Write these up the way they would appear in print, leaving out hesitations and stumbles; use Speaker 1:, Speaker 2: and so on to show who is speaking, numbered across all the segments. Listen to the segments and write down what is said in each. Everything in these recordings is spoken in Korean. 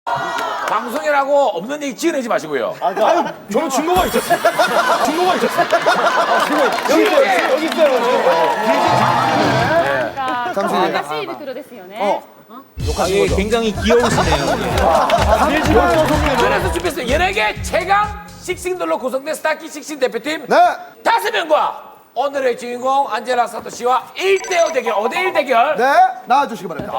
Speaker 1: 방송이라고 없는 얘기 지어내지 마시고요.
Speaker 2: 아유, 저는 증거가 있었어요. 증거가 있었어요. 여기 있어요. 여기 있어요.
Speaker 3: 잠시. 다시 들어댔어요, 네.
Speaker 4: 굉장히 귀여우시네요.
Speaker 1: 그래서 준비했어요. 연예계 최강 식싱들로 구성된 스타키 식싱 대표팀
Speaker 5: 네.
Speaker 1: 5명과 오늘의 주인공 안젤라 사토 씨와 1대5 대결, 5대1 대결.
Speaker 5: 네, 나와주시기 바랍니다.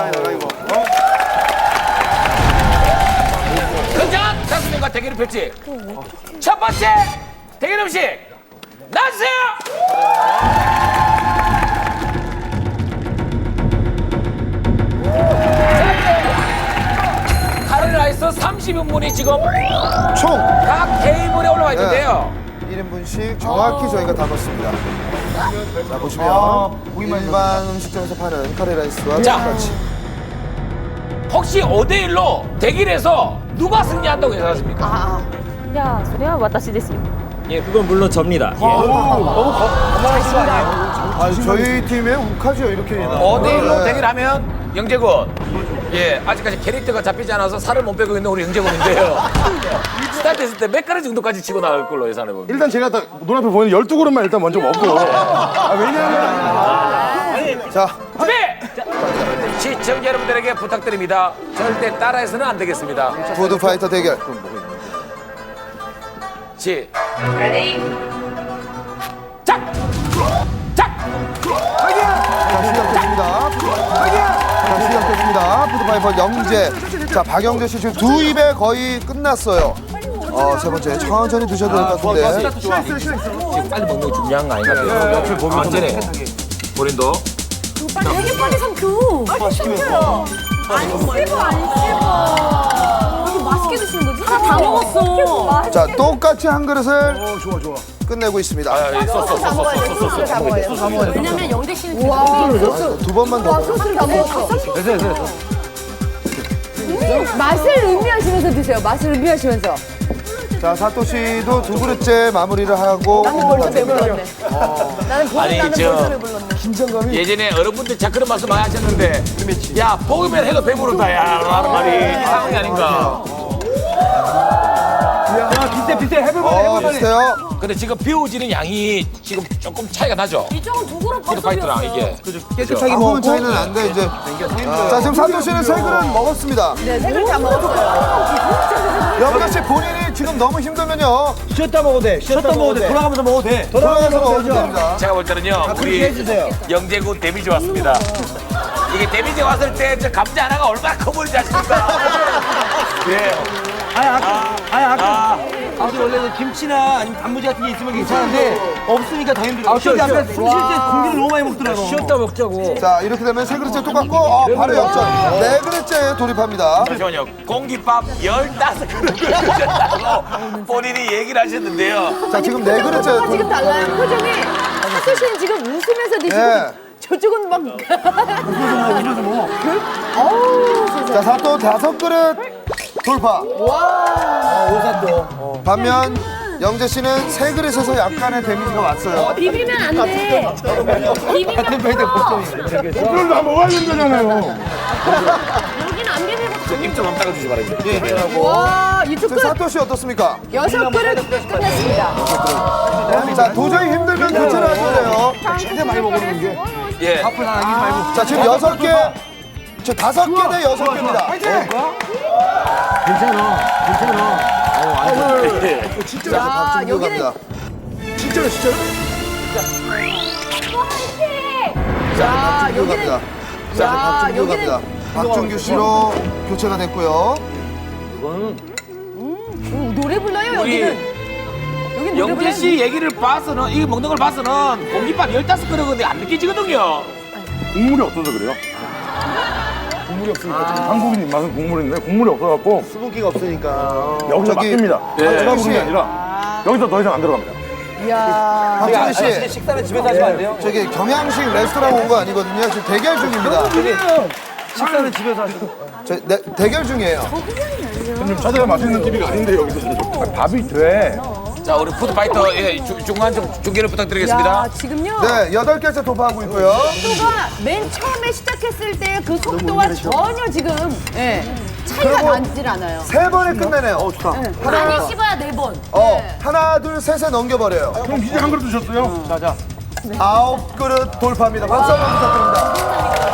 Speaker 1: 굉장한 5명과 대결을 펼칠 첫 번째 대결 음식 나와주세요. 카레라이스 30인분이 지금
Speaker 5: 총
Speaker 1: 각 테이블에 올라와 있는데요.
Speaker 5: 1인분씩 정확히 저희가 담았습니다. 자, 보시면 일반 음식점에서 파는 카레라이스와
Speaker 1: 자.
Speaker 5: 똑같이.
Speaker 1: 혹시 5대1로 대결해서 누가 승리한다고 예상하십니까?
Speaker 3: いや、それは私ですよ。
Speaker 4: 예, 그건 물론 접니다. 예.
Speaker 5: 아, 저희 팀에 욱하죠, 이렇게.
Speaker 1: 5대1로
Speaker 5: 네.
Speaker 1: 대결하면 영재군. 예, 아직까지 캐릭터가 잡히지 않아서 살을 못 빼고 있는 우리 영재군인데요. 스타트 했을 때 몇 가지 정도까지 치고 나갈 걸로 예상해 봅니다.
Speaker 2: 일단 제가 딱 눈앞에 보이는 12그릇만 일단 먼저 먹고. 왜냐면.
Speaker 5: 자,
Speaker 1: 준비! 시청자 여러분들에게 부탁드립니다. 절대 따라해서는 안 되겠습니다.
Speaker 5: 푸드파이터 대결.
Speaker 1: 시, 작!
Speaker 5: 자, 시작됐습니다. 자, 시작됐습니다. 푸드파이터 영재. 자, 박영재 씨 지금 두 입에 거의 끝났어요. 세 번째, 천천히 드셔도 될 것 같은데.
Speaker 1: 지금 빨리 먹는 게 중요한 거 아닌가 봐요. 옆에 보면 안전해. 본인도.
Speaker 3: 되게 빨리 삼켜. 빨리 삼켜요. 안 씹어, 안 씹어. 이렇게 맛있게 드시는 거지? 하나 다 먹었어.
Speaker 5: 자, 똑같이 한 그릇을 끝내고 있습니다.
Speaker 3: 왜냐면 영대 씨는 지금
Speaker 5: 두 번만 더.
Speaker 3: 소스를 다 먹었어.
Speaker 6: 맛을 의미하시면서 드세요. 맛을 의미하시면서.
Speaker 5: 자, 사토 씨도 두 그릇째 마무리를 하고
Speaker 6: 나는 벌써 배불렀네. 나는
Speaker 1: 아니,
Speaker 6: 나는
Speaker 1: 저-
Speaker 6: 벌써 배불렀네.
Speaker 1: 예전에 어른분들 자 그런 말씀 많이 하셨는데 야 먹으면 해도 배부르다 야 라는 말이 상황이 아닌가.
Speaker 5: 비슷해요.
Speaker 1: 근데 지금 비워지는 양이 지금 조금 차이가 나죠?
Speaker 3: 이쪽은 두 그릇
Speaker 1: 피드파이트랑 이게.
Speaker 4: 깨끗하게
Speaker 5: 아무런 차이는 안 돼, 이제. 자, 지금 사토 씨는 세 그릇 먹었습니다.
Speaker 6: 네, 세 그릇 다 먹었어요.
Speaker 5: 영재 씨 본인이 지금 너무 힘들면요.
Speaker 4: 쉬었다 먹어도 돼. 쉬었다 먹어도 돼. 돌아가면서 먹어도 돼.
Speaker 5: 돌아가서 먹어도 됩니다.
Speaker 1: 제가 볼 때는요 우리 영재군 데미지 왔습니다. 이게 데미지 왔을 때 저 감자 하나가 얼마나 커 보이지 아십니까? 예.
Speaker 4: 아까 원래는 김치나 아니면 단무지 같은 게 있으면 괜찮은데 없으니까 더 힘들어. 쉬었다 아까 숨 쉴 때 공기를 너무 많이 먹더라고. 쉬었다 먹자고.
Speaker 5: 자, 이렇게 되면 세 그릇째 똑같고, 바로 역전. 네 그릇째 돌입합니다.
Speaker 1: 잠시만요. 공깃밥 15그릇을 드셨다고 본인이 얘기를 하셨는데요.
Speaker 5: 자, 지금 네 그릇째
Speaker 6: 지금
Speaker 5: 돌입.
Speaker 6: 달라요. 표정이. 사토 씨는 지금 웃으면서 드시고
Speaker 5: 예.
Speaker 6: 저쪽은 막. 웃으면서 먹어. 어우, 세상에.
Speaker 5: 자, 사토 5그릇 돌파.
Speaker 4: 오사또.
Speaker 5: 반면 영재 씨는 세 그릇에서 약간의 데미지가 왔어요.
Speaker 3: 비비면 안 돼. 비비면 커.
Speaker 2: 그걸 다 먹어야 된다잖아요.
Speaker 3: 여기는 안 비비고
Speaker 1: 입좀 한번 닦아주시기 바랍니다.
Speaker 6: 와, 이쪽
Speaker 5: 지금
Speaker 6: 그릇
Speaker 5: 사토 씨 어떻습니까?
Speaker 6: 6그릇 끝냈습니다.
Speaker 5: 자, 도저히 힘들면 교체를 하셔야 돼요.
Speaker 2: 최대 많이 먹는 게.
Speaker 1: 예.
Speaker 5: 자, 지금 6개. 저 5개 대 6개입니다. 진짜 박준규 갑니다. 진짜로. 자, 박준규 갑니다. 자, 박준규 갑니다. 박준규 씨로 교체가 됐고요.
Speaker 6: 노래 불러요,
Speaker 1: 우리
Speaker 6: 여기는. 여기 노래
Speaker 1: 영재
Speaker 6: 불러요.
Speaker 1: 씨 얘기를 봐서는 이거 먹는 걸 봐서는 공깃밥 15그릇인데 안 느껴지거든요.
Speaker 2: 국물이 없어서 그래요. 국물이 없으니까 지금 한국인 입맛은 국물인데 국물이 없어갖고
Speaker 5: 수분기가 없으니까.
Speaker 2: 여기서
Speaker 5: 저기-
Speaker 2: 막힙니다.
Speaker 1: 예.
Speaker 2: 제가 부른 게 아니라 여기서 더 이상 안 들어갑니다.
Speaker 6: 이야.
Speaker 5: 박준규 씨,
Speaker 4: 식사는 집에서 하시면 안 돼요?
Speaker 5: 저기 경양식 레스토랑 온 거 아니거든요. 지금 대결 중입니다.
Speaker 4: 식사는 집에서 하시고.
Speaker 5: 대결 중이에요.
Speaker 2: 좀 찾아야 맛있는 TV가 아닌데 여기서 밥이 돼.
Speaker 1: 자, 우리 푸드파이터 예, 중간 좀 중계를 부탁드리겠습니다.
Speaker 6: 야, 지금요.
Speaker 5: 네, 8개째 도파하고 있고요.
Speaker 6: 속도가 맨 처음에 시작했을 때 그 속도와 전혀 지금 예. 차이가 많질 않아요.
Speaker 5: 3번에 끝내네요.
Speaker 4: 좋다.
Speaker 3: 많이 씹어야 4번.
Speaker 5: 하나, 둘, 셋에 넘겨버려요.
Speaker 2: 그럼 이제 한 그릇 드셨어요?
Speaker 4: 자.
Speaker 5: 9그릇 돌파합니다. 박수 한번 부탁드립니다.